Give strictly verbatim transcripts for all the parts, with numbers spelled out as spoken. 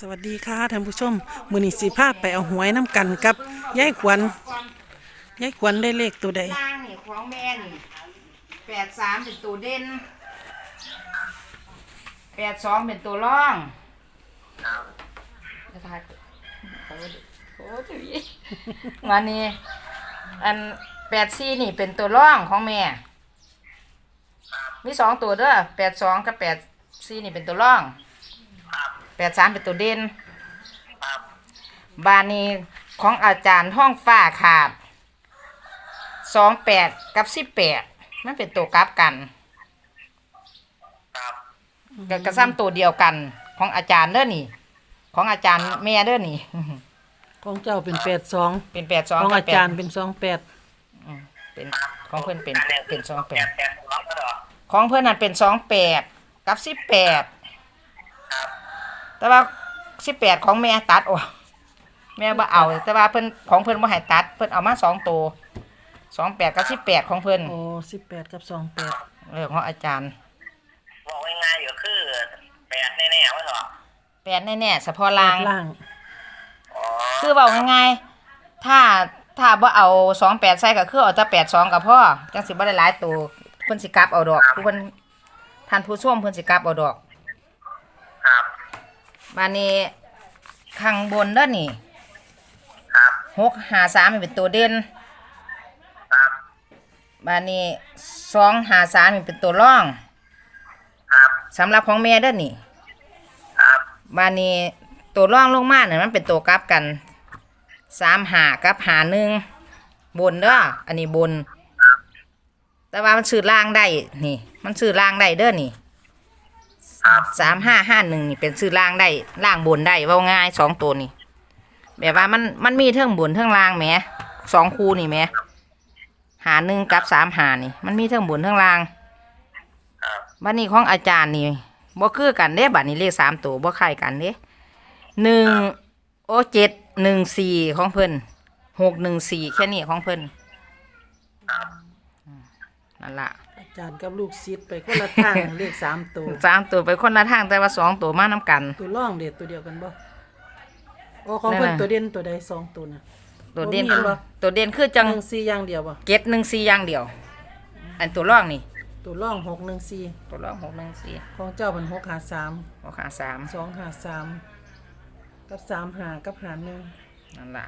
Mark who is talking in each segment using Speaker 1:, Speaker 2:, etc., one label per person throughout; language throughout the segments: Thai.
Speaker 1: สวัสดีค่ะท่านผู้ชมมื้อนี้สิพาไปเอาหวยน้ำกันกับยายขวัญยายขวัญได้เลขตัวใด
Speaker 2: ล่างนี่ของแม่นี่แปดสามเป็นตัวเด่นแปดสองเป็นตัวร่องจะทายโอ้โหจุยวันนี้อันแปดสี่นี่เป็นตัวร่องของแม่มีสองตัวเด้อแปดสองกับแปดสี่นี่เป็นตัวร่องแปดสามเป็นตัวเด่นบานนี้ของอาจารย์ห้องฟ้าขาดสองแปดกับสิบแปดมันเป็นตัวกราฟกันกับกระซ้ำตัวเดียวกันของอาจารย์เด้อนี่ของอาจารย์แม่เด้อนี่
Speaker 1: ของเจ้าเป็นแปดสอง
Speaker 2: เป็นแปดสอง
Speaker 1: ของอาจารย์เป็นสองแปด
Speaker 2: เป็นของเพื่อนเป็นเป็นสองแปดของเพื่อนนั่นเป็นสองแปดกับสิบแปดแต่ว่าสิบแปดของแม่ตัดโอ้แม่บ่เอาแต่ว่าเพิ่นของเพิ่นบ่ให้ตัดเพิ่นเอามาสองตัวสองแปดกับสิบแปดของเพิ่น
Speaker 1: โอ้สิบแปดกับสองแปด
Speaker 2: เรื่องของอาจารย์
Speaker 3: บอกง่ายๆอยู่คือแปดแน่ๆว่าเหรอ
Speaker 2: แปดแน่ๆเฉพาะล่าง
Speaker 1: ล่าง
Speaker 2: คือบอกง่ายๆถ้าถ้าบ่เอาสองแปดใส่ก็คือเอาแต่แปดสองกับพ่อจังสิบ่ได้หลายตัวเพิ่นสิกลับเอาดอกผู้เพิ่นท่านผู้ชมเพิ่นสิกลับเอาดอก
Speaker 3: ครับ
Speaker 2: บัดนี้ข้างบนเด้อนี่
Speaker 3: ครับ
Speaker 2: หกห้าสามเป็นตัวเด่น
Speaker 3: ครับ
Speaker 2: บัดนี้สองห้าสามเป็นตัวร่อง
Speaker 3: ครับ
Speaker 2: สำหรับของแม่เด้อนี่
Speaker 3: ครับ
Speaker 2: บัดนี้ตัวร่องลงมาเนี่ยมันเป็นตัวกลับกันสามหากับหาหนึ่งบนเด้ออันนี้บนแต่ว่ามันซื้อล่างได้นี่มันซื้อล่างได้เด้อนี่สามห้าห้าหนึ่งนี่เป็นซื้อล่างได้ล่างบนได้ว่าง่ายสองตัวนี่แบบว่ามันมันมีเท่งบนเท่งล่างแหมสองคู่นี่แหมหาหนึ่งกับสามหานี่มันมีเท่งบนเท่งล่างบัดนี้ของอาจารย์นี่บ่คือกันเด้บัดนี้เลขสามตัวบ่คล้ายกันเด้หนึ่งโอเจ็ดหนึ่งสี่ของเพิ่นหกหนึ่งสี่แค่นี้ของเพิ่นนั่นล่ะ
Speaker 1: อาจารย์กับลูกศิษย์ไปคนละทางเลขสามตัว
Speaker 2: สามตัวไปคนละทางแต่ว่าสองตัวมาน้ำกัน
Speaker 1: ตัวร่องเด็ดตัวเดียวกันบ่โอ้ของเพิ่นตัวเด่นตัวใดสองตัวน่ะ
Speaker 2: ตัวเด่นคือตัวเด่นคือจัง
Speaker 1: หนึ่งสี่อย่างเดียวบ่
Speaker 2: เจ็ดหนึ่งสี่อย่างเดียวอันตัวร่องนี่
Speaker 1: ตัวร่องหกหนึ่งสี่
Speaker 2: ตัวร่องหกหนึ่งสี่
Speaker 1: ของเจ้าเป็นหกหาสาม
Speaker 2: หกหาสาม
Speaker 1: สองหาสามกับสามหากับหาหนึ่ง
Speaker 2: นั่นล่ะ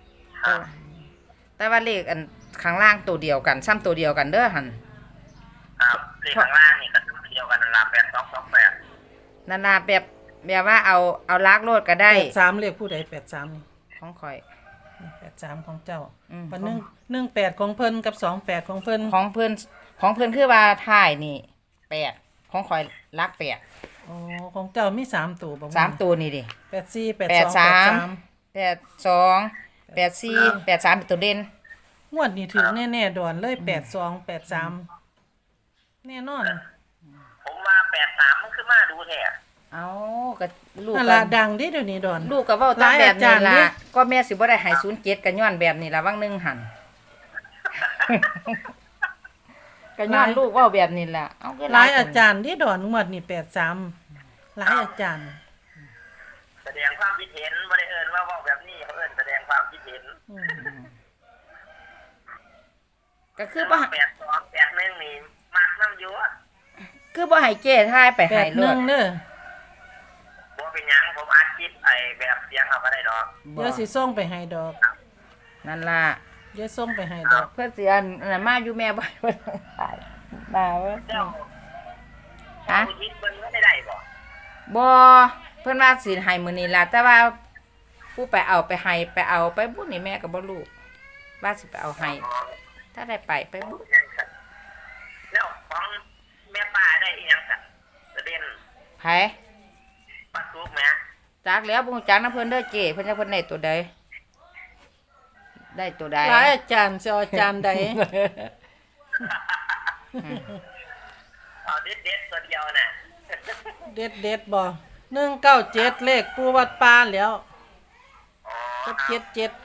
Speaker 2: แต่ว่าเลขอันข้างล่างตัวเดียวกันซ้ำตัวเดียวกันเด้อหัน
Speaker 3: ครับเลขข้างล่างนี่ก็ตัวเดียวกันนั่นล่ะแปดสองสองแปด
Speaker 2: นั่นล่ะแบบแบบว่าเอาเอาลักโลดก็ได้
Speaker 1: แปดสามเลขผู้ใดแปดสามนี่
Speaker 2: ของข่อย
Speaker 1: แปดสามของเจ้าวันหนึ่งหนึ่งแปดของเพิ่นกับสองแปดของเพิ่น
Speaker 2: ของเพิ่นของเพิ่นคือว่าถ่ายนี่แปดของข่อยลักแปด
Speaker 1: อ๋อของเจ้ามีสามตัวบ่
Speaker 2: สามตัวนี่ดิ
Speaker 1: แปดสี่แปดสองแปดสาม
Speaker 2: แปดสองแปดสี่แปดสามเป็นตัวเด่น
Speaker 1: งวดนี้ถึงแน่ๆดอนเลยแปดสองแปดสามแน่นอน
Speaker 3: ผมว่าแปดสามมันคือมาดูแท้
Speaker 2: เอาก็ลูก
Speaker 1: ก็ดังดิเดี๋ยวนี้ดอน
Speaker 2: ลูกก็เว้าตามแบบนี้ล่ะก็แม่สิบ่ได้ให้ศูนย์เจ็ดก็ย้อนแบบนี้ล่ะวังนึงหั่นก็ย้อนลูกเว้าแบบนี้ล่ะเอาคือ
Speaker 1: หลายอาจารย์ดิดอนงวดนี้แปดสามหลายอาจารย์
Speaker 3: แสดงความคิดเห็นบ่ได้เอิ้นว่าเว้าแบบนี้เขาเอิ้นแสดงความคิดเห็น
Speaker 2: ก็คือบ่
Speaker 3: แปดสองแปดหนึ่งนี่มักนำอยู่
Speaker 2: คือบ่ให้เจ้ทายไปให้
Speaker 1: โลดเด้อ
Speaker 3: บ่เป็นหยังผมอัดคลิปไอ้แบบเสียงเอาก็ได้ดอก
Speaker 1: เดี๋ยวสิส่งไปให้ดอก
Speaker 2: นั่นล่ะ
Speaker 1: เดี๋ยวส่งไปให้ดอก
Speaker 2: เพิ่นสิอันนั้นมาอยู่แม่บ่เพิ่นตายมาเว้ย
Speaker 3: เจ้าฮะคิดเพิ่นบ่ได้ได้บ่
Speaker 2: บ่เพิ่นว่าสิให้มื้อนี้ล่ะแต่ว่าผู้ไปเอาไปให้ไปเอาไปบุญนี่แม่ก็บ่รู้ว่าสิไปเอาให้ถ้าได้ไปไปบุญ
Speaker 3: แล้วของแม่ป้าได้อีหยังซะประเด็น
Speaker 2: ไผ
Speaker 3: ป้าสุกแม่
Speaker 2: จักแล้วบ่ฮู้จักนำเพิ่นเด้อเจ้เพิ่นจะเพิ่นได้ตัวใดได้ตัวใด
Speaker 1: หลายอาจารย์สิอาจารย์ใด
Speaker 3: เอาเด็ดๆตัวเดียวน่ะ
Speaker 1: เด็ดๆบ่หนึ่งเก้าเจ็ดเลขปู่วัดป่าแล้วกับเจ็ดเจ็ด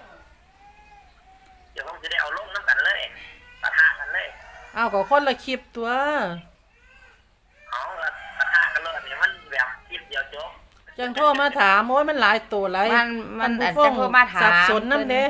Speaker 3: เดี๋ยวผมจะได้เอาลงน้ำกันเลยปะทะกันเลย
Speaker 1: เอาก็คนละคลิปตัว
Speaker 3: เอาปะทะกันเลยนี่มันแบบคลิปเดียวจบ
Speaker 1: จังโทรมาถามโอ้ยมันหลายตัวหลาย
Speaker 2: มันมัน
Speaker 1: ท่
Speaker 2: อาจ
Speaker 1: ผู้
Speaker 2: จะโทรมาถาม
Speaker 1: สับสนนํเด้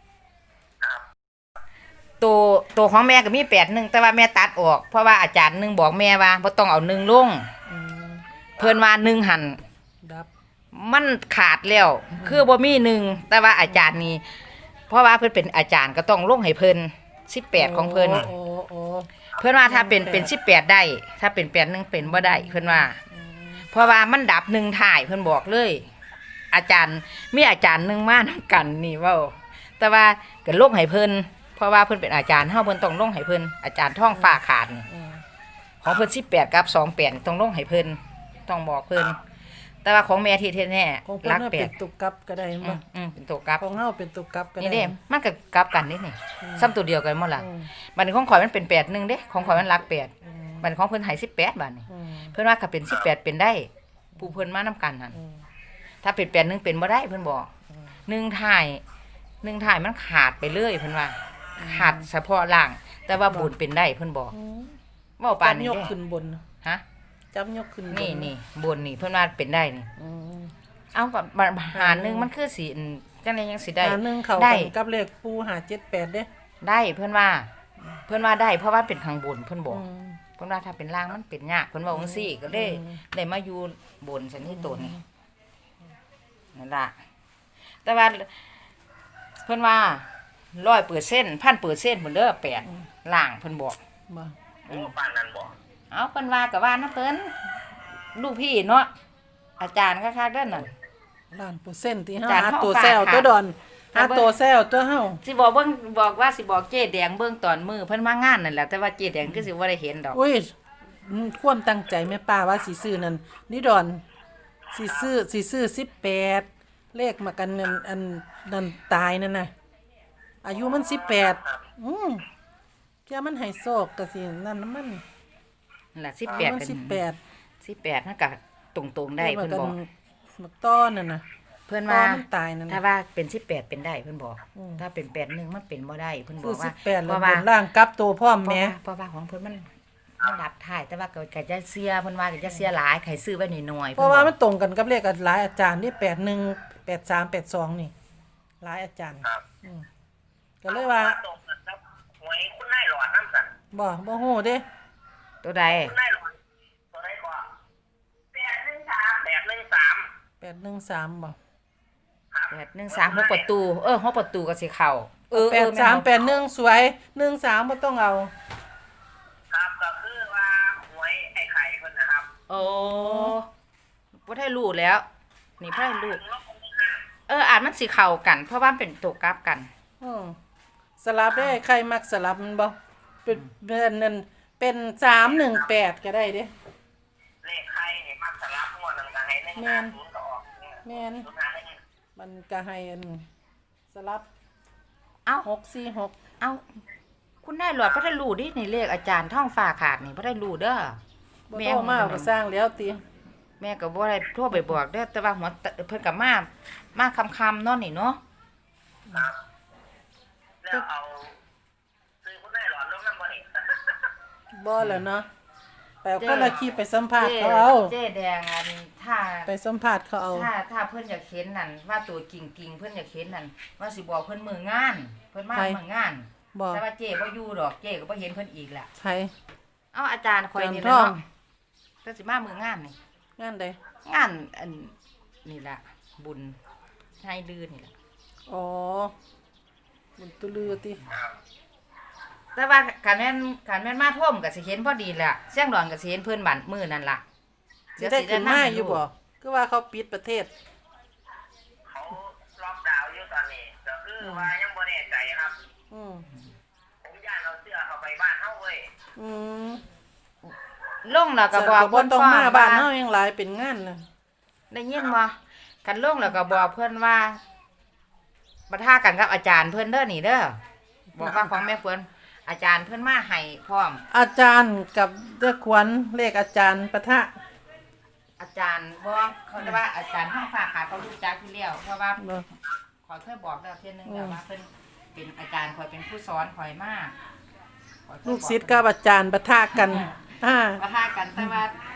Speaker 2: ตัวตัวของแม่ก็มีแปดหนึ่งแต่ว่าแม่ตัดออกเพราะว่าอาจารย์หนึ่งบอกแม่ว่าบ่ต้องเอาหนึ่งลง
Speaker 1: อืม
Speaker 2: เพิ่นว่าหนึ่งหัน
Speaker 1: ดับ
Speaker 2: มันขาดแล้ว คือบ่มีหนึ่งแต่ว่าอาจารย์นี่เพราะว่าเพิ่นเป็นอาจารย์ก็ต้องลงให้เพิ่นสิบแปดของเพิ่น
Speaker 1: โอ้โอ้โอ้
Speaker 2: เพิ่นว่าถ้าเป็นเป็นสิบแปดได้ ถ้าเป็นแปดหนึ่งเป็นบ่ได้เพิ่นว่า เพราะว่ามันดับหนึ่งถ่ายเพิ่นบอกเลย อาจารย์มีอาจารย์หนึงมานํกันนี่เว้าแต่ว่าก็ลงให้เพิ่นเพราะว่าเพิ่นเป็นอาจารย์เฮาเพิ่นต้องลงให้เพิ่นอาจารย์ท่องฟ้าขาดนี่
Speaker 1: อืม
Speaker 2: ของเพิ่นสิบแปดกับสองแปดต้องลงให้เพิ่นต้องบอกเพิ่นแต่ว่าของแม่ที่แท้
Speaker 1: ของ
Speaker 2: ๆ
Speaker 1: เพิ่น
Speaker 2: รัก
Speaker 1: น่ะ
Speaker 2: แป
Speaker 1: เป็
Speaker 2: ด
Speaker 1: นตุกกับก็ได้
Speaker 2: อื
Speaker 1: บ่
Speaker 2: มอืมเป็นตัวกลับ
Speaker 1: ของเฮาเป็นตุกกับก็ได้
Speaker 2: นี่เด้มันก็กลับกันนิดนี่ซ้ำตัวเดียวกันหมดล่ะ
Speaker 1: อืม
Speaker 2: บัดนี้ของข่อยมันเป็นแปดหนึ่งเด้ของข่อยมันรักแปด
Speaker 1: อืม
Speaker 2: บัดนี้ของเพิ่นให้สิบแปดบาดนี้
Speaker 1: อืม
Speaker 2: เพิ่นว่าถ้าเป็นสิบแปดเป็นได้ ผู้เพิ่นมานํกันนั่น
Speaker 1: อืม
Speaker 2: ถ้าเป็นแปดหนึ่งเป็นบ่ได้เพิ่นบอกหนึ่งถ่ายหนึ่งถ่ายมันขาดไปเลยเพิ่นว่า ขาดเฉพาะล่าง แต่ว่าบุญเป็นได้เพิ่นบอก
Speaker 1: อืม
Speaker 2: เว้าปาน
Speaker 1: จับ
Speaker 2: นี้
Speaker 1: ยก
Speaker 2: เด้
Speaker 1: ขึ้นบน
Speaker 2: ฮะ
Speaker 1: จับยกขึ้นบน
Speaker 2: นี่นี่บนนี่เพิ่นว่าเป็นได้นี่
Speaker 1: อืม
Speaker 2: เอากับหารหนึงมันคือสิจังได๋ยังสิได้
Speaker 1: หาหนึ่งเข้า
Speaker 2: ได้
Speaker 1: กันกับเลขปูหาเจ็ดแปดเด้
Speaker 2: ได้เพิ่นว่า เพิ่นว่าได้เพราะว่าเป็นข้างบนเพิ่นบอก
Speaker 1: อืม
Speaker 2: เพิ่นว่าถ้าเป็นล่างมันเป็นยากเพิ่นว่าจังซี่ก็เลย
Speaker 1: อืม
Speaker 2: ได้มาอยู่บนสันนิษฐานนี่นั่นล่ะแต่ว่าเพิ่นว่าร้อยเปอร์เซ็นต์พันเปอร์เซ็นต์เพิ่นเด้อแปดล่างเพิ่นบอก
Speaker 1: บ่
Speaker 3: โอ้ปานนั้นบ่
Speaker 2: เอาเพิ่นว่าก็ว่านะเพิ่นลูกพี่เนาะอาจารย์คักๆเด้อนั่น
Speaker 1: ล้านเปอร์เซ็นต์ที่เฮา
Speaker 2: จาน
Speaker 1: หา
Speaker 2: เฮา
Speaker 1: ตัว
Speaker 2: ฝาก
Speaker 1: แซว
Speaker 2: ค่ะ
Speaker 1: ตัวดอน
Speaker 2: ถ้า
Speaker 1: หา
Speaker 2: เบิ่ง
Speaker 1: ตัวแซวตัวเฮา
Speaker 2: สิบอกเบิ่งบอกว่าสิบอกเจ๊แดงเบิ่งตอนมือเพิ่นมางานนั่นแหละแต่ว่าเจ๊แดงคือสิบ่ได้เห็นดอก
Speaker 1: อุ้ยอืมความตั้งใจแม่ป้าว่าสิซื้อนั่นนี่ดอนสิซื้อสิซื้อสิบแปดเลขมากันนั่นอันนั่นตายนั่นน่ะอายุมันสิบแปดอืมแค่มันให้โชคก็สินั่นน่ะมัน
Speaker 2: นั่นล่ะ
Speaker 1: อา
Speaker 2: สิบแป
Speaker 1: ยุ
Speaker 2: ด
Speaker 1: มัน
Speaker 2: กัน
Speaker 1: สิบแปด
Speaker 2: สิบแปดมันก็ตรงๆได้เพิ่นบอก
Speaker 1: มักต้อนนั่นน่ะ
Speaker 2: เพิ่น
Speaker 1: ต้อ
Speaker 2: ว่า
Speaker 1: มันตายนั่น
Speaker 2: ถ้า
Speaker 1: น่ะ
Speaker 2: ว่าเป็นสิบแปดเป็นได้เพิ่นบอก
Speaker 1: อืม
Speaker 2: ถ้าเป็นแปดหนึ่งมันเป็นบ่ได้เพิ่นบ
Speaker 1: คือ อก สิ
Speaker 2: ว่า
Speaker 1: บแปด
Speaker 2: เพ
Speaker 1: แล้ว
Speaker 2: ราะ
Speaker 1: บ
Speaker 2: ว่าน
Speaker 1: ล่างกลับตัวพร้อม
Speaker 2: เพราะ
Speaker 1: แหม่
Speaker 2: ว่าเพราะว่าของเพิ่นมันมันดับท้ายแต่ว่าก็ก็จะเสียเพิ่นว่าก็จะเสียหลายใครซื้อไว้น้อยๆ
Speaker 1: เพราะว่า
Speaker 2: พิ่
Speaker 1: มัน
Speaker 2: นบอก
Speaker 1: ตรงกันกับเลขหลายอาจารย์นี่แปดหนึ่งแปดสามแปดสองนี่หลายอาจารย์
Speaker 3: ครับ
Speaker 1: อืมก็เลยว่า
Speaker 3: ตกกับหวยคุณนายหลอดน้ำสั่น
Speaker 1: บ่บ่ฮู้เด้
Speaker 2: ตัวใด
Speaker 3: คุณนายหลอดตัวไหนก่อนแปดหนึ่งสามแปดหนึ่งสาม
Speaker 1: แปดหนึ่งสามบ่
Speaker 3: ครับ
Speaker 2: แปดหนึ่งสามหกประตู เออหกประตูก็สิเข้าเออ
Speaker 1: แป
Speaker 2: เอ
Speaker 1: ด
Speaker 2: อ
Speaker 1: สาม
Speaker 2: แม่น
Speaker 1: แปดหนึ่งสวยหนึ่งสามบ่ต้องเอา
Speaker 3: ครับก็คือว่าหวยไอ้ไข่คนนะครับ
Speaker 2: โอ้บ่ได้รู้แล้ว นี่บ่ได้รู้เอออาจมันสิเข้ากัน เพราะว่ามันเป็นตัวกลับกัน
Speaker 1: อืมสลับได้ใครมักสลับมันบ่เป็นเป็นนั่นเป็นสามหนึ่งแปดก็ได้เด้
Speaker 3: เลขไข่เนี่ยมักสลับงวดหนึ่งก็ให้หนึ่งห้าศูนย์ก็ออกเนี่ย
Speaker 1: แม่น
Speaker 3: ศูนย์ห้าหนึ่ง
Speaker 1: มันก็ให้อันสลับ
Speaker 2: เอ้า
Speaker 1: หกสี่หก
Speaker 2: เอ้าคุณนายหลอดบ่ได้รู้ดินี่เลขอาจารย์ท่องฟ้าขาดนี่บ่ได้รู้เด้อ
Speaker 1: บ่โตมาก็สร้างแล้วติ
Speaker 2: แม่ก็บ่ได้โทรไปบอกเด้อแต่ว่าหัวตเพิ่นก็มามาค่ำๆเนาะนี่เนาะ
Speaker 3: ครับแล้วเอาซื้อคุณนายหลอดลงน้ำบ่นี่
Speaker 1: บ่แล้วเนาะไปเอาคนละคลิปไปสัมภาษณ์
Speaker 2: เจ๊
Speaker 1: เขาเอา
Speaker 2: เจ๊แดงอันถ้า
Speaker 1: ไปสัมภาษณ์เขาเอา
Speaker 2: ถ้าถ้าเพิ่นอยากเห็นนั่นว่าตัวจริงๆเพิ่นอยากเห็นนั่นว่าสิบอกเพิ่นมืองาน เพิ่นมา
Speaker 1: ใคร
Speaker 2: มืองาน
Speaker 1: บ่
Speaker 2: แต่ว่าเจ๊บ่อยู่ดอกเจ๊ก็บ่เห็นเพิ่นอีกล่ะ
Speaker 1: ไผ
Speaker 2: เอ้าอาจารย์ข่อยนี่
Speaker 1: อาจารย์
Speaker 2: ล่ะ
Speaker 1: ท่อง
Speaker 2: เนาะแต่สิมามืองานนี่
Speaker 1: งานใด
Speaker 2: งานอันนี่ล่ะบุญให้ลือนี่ล่ะ
Speaker 1: อ๋อบุญตุลือติ
Speaker 2: แต่ว่าการแม่นการแม่นมาท่วมก็สิเห็นพอดีแหละเสียงดอนก็สิเห็นเพิ่นบันมื้อนั่นล่ะ
Speaker 1: สิได้ขึ้นมาอยู่บ่คือว่าเขาปิดประเทศ
Speaker 3: เขาล็อกดาวน์อยู่ตอนนี้ก็คือว่ายังบ่แน่ใจครับ
Speaker 1: อืม
Speaker 3: ผมย่านเอาเสื้อเข้าไปบ้านเฮาเว้ย
Speaker 1: อืม
Speaker 2: ลงแล้วก็บอก
Speaker 1: บ่
Speaker 2: เพิ่น
Speaker 1: ต้อง
Speaker 2: ฟ้
Speaker 1: มา
Speaker 2: ว่า
Speaker 1: บ้านเฮายังหลายเป็นงานน่ะ
Speaker 2: ได้ยินบ่กันลงแล้วก็บอกเพิ่นว่าปะทะกันกับอาจารย์เพิ่นเด้อนี่เด้อบอกว่าของแม่เพิ่นอาจารย์เพิ่นมาให้พร้อม
Speaker 1: อาจารย์กับเด้อขวัญเลขอาจารย์ปะทะ
Speaker 2: อาจารย์บอกเขาจะว่าอาจารย์ห้องฝากขาเขารู้จักที่แล้วเพราะว่า
Speaker 1: บ่
Speaker 2: ขอยเคยบอกแล้วเที่ยนึงแล้วว่าเพิ่นเป็นอาจารย์ข่อยเป็นผู้สอนข่อยมาก
Speaker 1: ลูกศิษย์กับอาจารย์ปะทะกันอ่า
Speaker 2: ปะทะกันแต่ว่า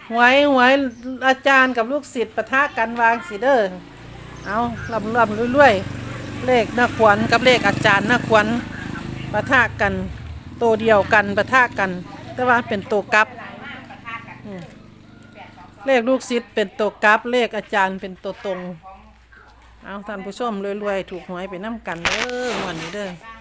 Speaker 1: หวยหวยอาจารย์กับลูกศิษย์ปะทะกันวางสิเด้อเอาลำลำรวยๆเลขนักขวัญกับเลขอาจารย์นักขวัญปะทะกันตัวเดียวกันปะทะกัน แต่ว่าเป็นตัวกลับอืมเลขลูกศิษย์เป็นตัวกลับ เลขอาจารย์เป็นตัวตรงเอาท่านผู้ชมรวยๆถูกหวยไปน้ำกันเด้อหมวนนี้เด้อ